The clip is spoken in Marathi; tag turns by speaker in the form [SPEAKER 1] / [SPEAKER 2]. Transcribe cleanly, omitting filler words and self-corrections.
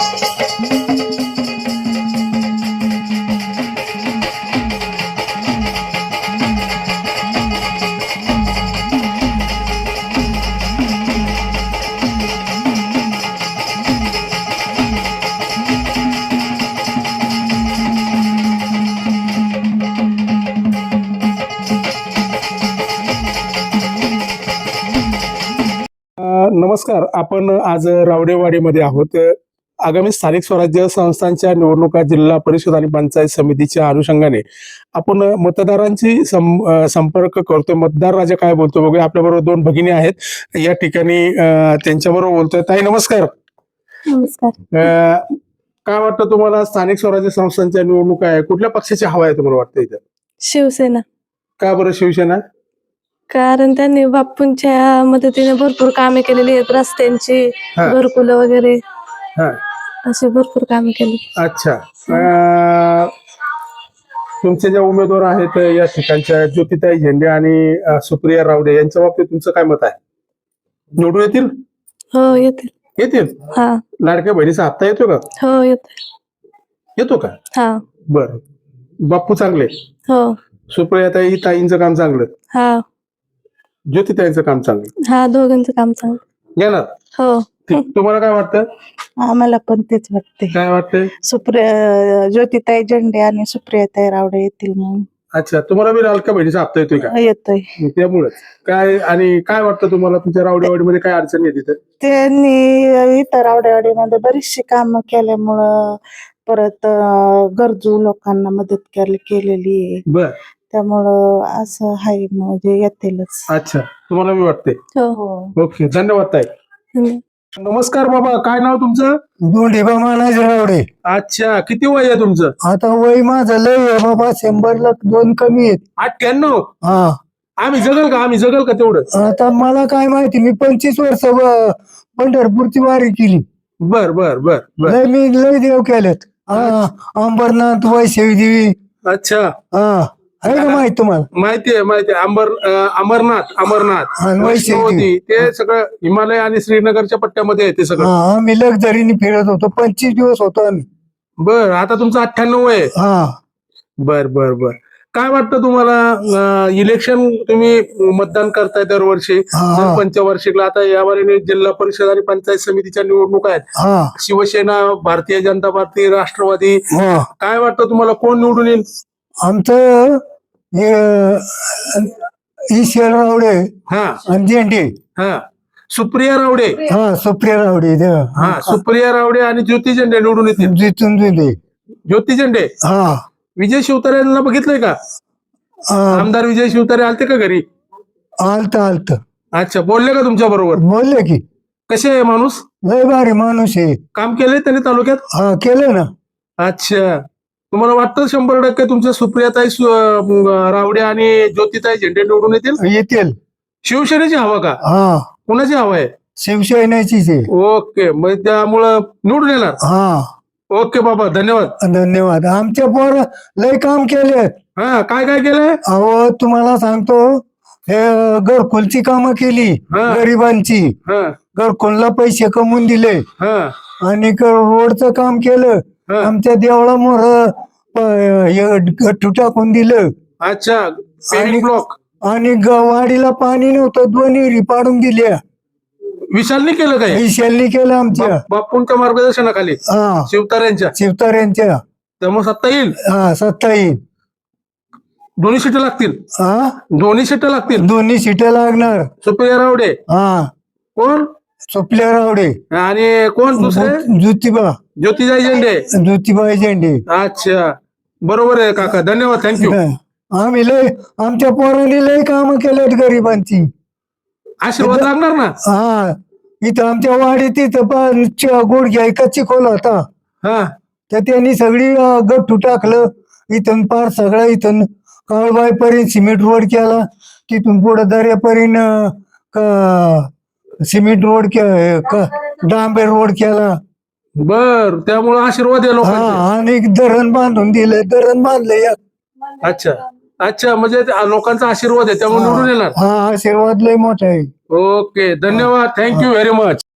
[SPEAKER 1] नमस्कार. आपण आज रावडेवाडीमध्ये आहोत. आगामी स्थानिक स्वराज्य संस्थांच्या निवडणुका जिल्हा परिषद आणि पंचायत समितीच्या अनुषंगाने आपण मतदारांची संपर्क करतोय. मतदार राजा काय बोलतो बघूया. आपल्याबरोबर दोन भगिनी आहेत या ठिकाणी, त्यांच्याबरोबर बोलतोय. ताई नमस्कार.
[SPEAKER 2] नमस्कार.
[SPEAKER 1] काय वाटतं तुम्हाला, स्थानिक स्वराज्य संस्थांच्या निवडणुका आहे, कुठल्या पक्षाची हवा आहे तुम्हाला वाटतं इथं?
[SPEAKER 2] शिवसेना.
[SPEAKER 1] का बरं शिवसेना?
[SPEAKER 2] कारण त्यांनी बापूंच्या मदतीने भरपूर कामे केलेली आहेत, रस्त्यांची, घरकुलं वगैरे असे भरपूर कामे केली.
[SPEAKER 1] अच्छा. तुमचे ज्या उमेदवार आहेत या ठिकाणच्या, ज्योतिताई झेंडे आणि सुप्रिया रावडे, यांच्या बाबतीत तुमचं काय मत आहे? निवडून येतील?
[SPEAKER 2] हो येतील.
[SPEAKER 1] येतील.
[SPEAKER 2] हा.
[SPEAKER 1] लाडक्या बहिणीचा हप्ता येतो का?
[SPEAKER 2] हो
[SPEAKER 1] येतो का?
[SPEAKER 2] हा.
[SPEAKER 1] बर. बाप्पू चांगले?
[SPEAKER 2] हो.
[SPEAKER 1] सुप्रियाताई ताईंचं काम चांगलं?
[SPEAKER 2] हा.
[SPEAKER 1] ज्योतिताईंचं काम चांगलं?
[SPEAKER 2] हा, दोघांचं काम चांगलं.
[SPEAKER 1] येणार?
[SPEAKER 2] हो.
[SPEAKER 1] तुम्हाला काय वाटतं?
[SPEAKER 3] आम्हाला पण तेच वाटते.
[SPEAKER 1] काय वाटतंय?
[SPEAKER 3] ज्योतिताई झेंडे आणि सुप्रियाताई रावडे येतील म्हणून.
[SPEAKER 1] अच्छा. तुम्हाला बी लाडक्या बहिणीचा हप्ता येतोय का?
[SPEAKER 3] येतोय.
[SPEAKER 1] त्यामुळे काय, आणि काय वाटतं तुम्हाला, तुमच्या रावडेवाडीमध्ये काय अडचणी आहे तिथं?
[SPEAKER 3] त्यांनी इथं रावडेवाडीमध्ये बरीचशी कामं केल्यामुळं, परत गरजू लोकांना मदत केलेली आहे.
[SPEAKER 1] बर.
[SPEAKER 3] त्यामुळं असं आहे, म्हणजे येतीलच.
[SPEAKER 1] अच्छा. तुम्हाला मी वाटते?
[SPEAKER 2] हो.
[SPEAKER 1] ओके. धन्यवाद ताई. नमस्कार बाबा. काय नाव तुमचं?
[SPEAKER 4] दोंडेबा मानाजी रावडे.
[SPEAKER 1] अच्छा. किती वय आहे तुमचं?
[SPEAKER 4] आता वय माझं लय आहे बाबा, 100ला 2 कमी आहेत.
[SPEAKER 1] 98.
[SPEAKER 4] हा.
[SPEAKER 1] आम्ही जगल का तेवढं?
[SPEAKER 4] आता मला काय माहिती, मी 25 वर्ष पंढरपूरची वारी केली.
[SPEAKER 1] बर बर बर बर.
[SPEAKER 4] लय देव केलेत. अंबरनाथ, वैष्णवी.
[SPEAKER 1] अच्छा.
[SPEAKER 4] हा, आहे का माहित तुम्हाला?
[SPEAKER 1] माहिती आहे. अमरनाथ वैष्णोदेवी, ते सगळं हिमालय आणि श्रीनगरच्या पट्ट्यामध्ये आहे ते सगळं.
[SPEAKER 4] आम्ही लक्झरीने फिरत होतो, 25 दिवस होतो आम्ही.
[SPEAKER 1] बर. आता तुमचं 98 आहे?
[SPEAKER 4] हा.
[SPEAKER 1] बर बर बर. काय वाटतं तुम्हाला, इलेक्शन तुम्ही मतदान करताय दरवर्षी, पंचवार्षिकला, आता यावर जिल्हा परिषद आणि पंचायत समितीच्या निवडणुका आहेत. शिवसेना, भारतीय जनता पार्टी, राष्ट्रवादी, काय वाटतं तुम्हाला, कोण निवडून येईल?
[SPEAKER 4] आमचं ईश्वर रावडे आणि झेंडे.
[SPEAKER 1] हा. सुप्रिया रावडे.
[SPEAKER 4] हा, सुप्रिया रावडे.
[SPEAKER 1] हा, सुप्रिया रावडे आणि ज्योती झेंडे निवडून येतील. ज्योती झेंडे.
[SPEAKER 4] हा.
[SPEAKER 1] विजय शिवतारे यांना बघितलंय का? आमदार विजय शिवतारे आलते का घरी?
[SPEAKER 4] आलत.
[SPEAKER 1] अच्छा. बोलले का तुमच्या बरोबर?
[SPEAKER 4] बोलले की.
[SPEAKER 1] कसे आहे माणूस?
[SPEAKER 4] लय भारी माणूस आहे.
[SPEAKER 1] काम केलंय त्यांनी तालुक्यात?
[SPEAKER 4] हा, केलं ना.
[SPEAKER 1] अच्छा. तुम्हाला वाटतं 100% तुमच्या सुप्रियाताई रावडे आणि ज्योतिताई झेंडे निवडून
[SPEAKER 4] येतील?
[SPEAKER 1] शिवसेनेची हवा का?
[SPEAKER 4] हा.
[SPEAKER 1] कुणाची हवा आहे?
[SPEAKER 4] शिवसेनेचीच आहे.
[SPEAKER 1] ओके. मग त्यामुळं निवडून येणार?
[SPEAKER 4] हा.
[SPEAKER 1] ओके बाबा, धन्यवाद.
[SPEAKER 4] धन्यवाद. आमच्या पोर लय काम केले.
[SPEAKER 1] हा. काय काय केलंय?
[SPEAKER 4] अहो, तुम्हाला सांगतो, हे घरकुलची कामं केली गरिबांची. घरकुलला पैसे कमवून दिले आणि रोडचं काम केलं. आमच्या देवळा मोर गट्टू टाकून दिलं.
[SPEAKER 1] अच्छा.
[SPEAKER 4] आणि वाडीला पाणी नव्हतं, 2 विहिरी पाडून दिल्या.
[SPEAKER 1] विशालनी केलं काय?
[SPEAKER 4] विशालनी केलं आमच्या
[SPEAKER 1] बापूंच्या मार्गदर्शनाखाली.
[SPEAKER 4] शिवतार्यांच्या.
[SPEAKER 1] त्यामुळे सत्ता येईल.
[SPEAKER 4] हा, सत्ता येईल.
[SPEAKER 1] दोन्ही सीटं लागतील. दोन्ही सीटं लागतील.
[SPEAKER 4] दोन्ही सीटं लागणार.
[SPEAKER 1] सुप्रिया रावडे.
[SPEAKER 4] हा.
[SPEAKER 1] कोण?
[SPEAKER 4] सुप्रिया रावडे.
[SPEAKER 1] आणि कोण दुसरे? ज्योतिताई झेंडे.
[SPEAKER 4] ज्योतिबाई झेंडे.
[SPEAKER 1] अच्छा. बरोबर आहे काका. धन्यवाद. थँक्यू.
[SPEAKER 4] आम्ही आमच्या पोरांनी लय कामं केलेत गरिबांची.
[SPEAKER 1] आशीर्वाद लागणार ना?
[SPEAKER 4] हा. इथं आमच्या वाडीत इथं गुडघ्या कच्ची खोल होता. तर त्यांनी सगळी गट्टू टाकलं. इथून पार सगळं, इथून काळबाई पर्यंत सिमेंट रोड केला. तिथून पुढे दर्यापर्यंत सिमेंट रोड डांबेर रोड केला.
[SPEAKER 1] बर. त्यामुळे आशीर्वाद आहे लोकांचे.
[SPEAKER 4] आणि धरण बांधून दिलं. धरण बांधलं.
[SPEAKER 1] अच्छा. अच्छा. म्हणजे लोकांचा आशीर्वाद आहे त्यामुळे निवडून येणार.
[SPEAKER 4] हा, आशीर्वाद लय मोठा आहे.
[SPEAKER 1] ओके. धन्यवाद. Thank you very much.